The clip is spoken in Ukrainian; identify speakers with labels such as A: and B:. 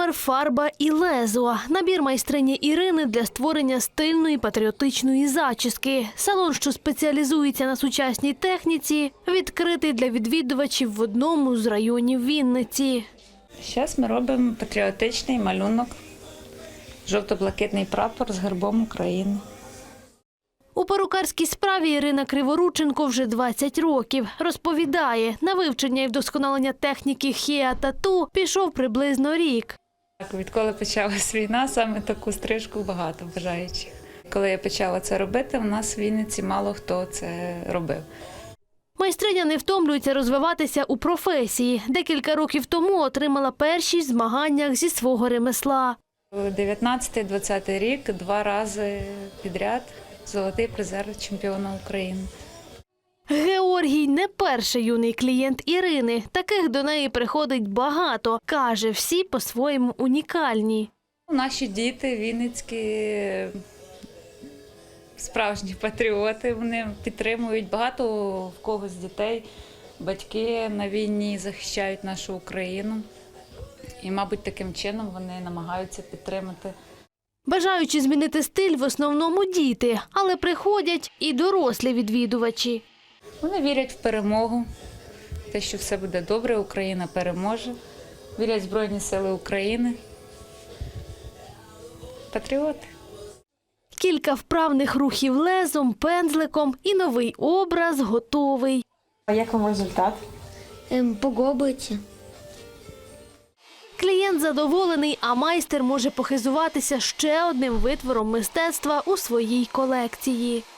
A: Прапор, фарба і лезо. Набір майстрині Ірини для створення стильної патріотичної зачіски. Салон, що спеціалізується на сучасній техніці, відкритий для відвідувачів в одному з районів Вінниці.
B: Зараз ми робимо патріотичний малюнок, жовто-блакитний прапор з гербом України.
A: У перукарській справі Ірина Криворученко вже 20 років. Розповідає, на вивчення і вдосконалення техніки хеа-тату пішов приблизно рік.
B: Відколи почалась війна, саме таку стрижку багато бажаючих. Коли я почала це робити, у нас в Вінниці мало хто це робив.
A: Майстриня не втомлюється розвиватися у професії. Декілька років тому отримала першість в змаганнях зі свого ремесла.
B: 19-20 рік 2 рази підряд золотий призер чемпіона України.
A: Георгій не перший юний клієнт Ірини. Таких до неї приходить багато. Каже, всі по-своєму унікальні.
B: Наші діти вінницькі справжні патріоти, вони підтримують. Багато в когось дітей, батьки на війні захищають нашу Україну. І, мабуть, таким чином вони намагаються підтримати.
A: Бажаючи змінити стиль в основному діти, але приходять і дорослі відвідувачі.
B: Вони вірять в перемогу, те, що все буде добре, Україна переможе. Вірять в Збройні Сили України. Патріоти.
A: Кілька вправних рухів лезом, пензликом і новий образ готовий.
C: А як вам результат?
D: Подобається.
A: Клієнт задоволений, а майстер може похизуватися ще одним витвором мистецтва у своїй колекції.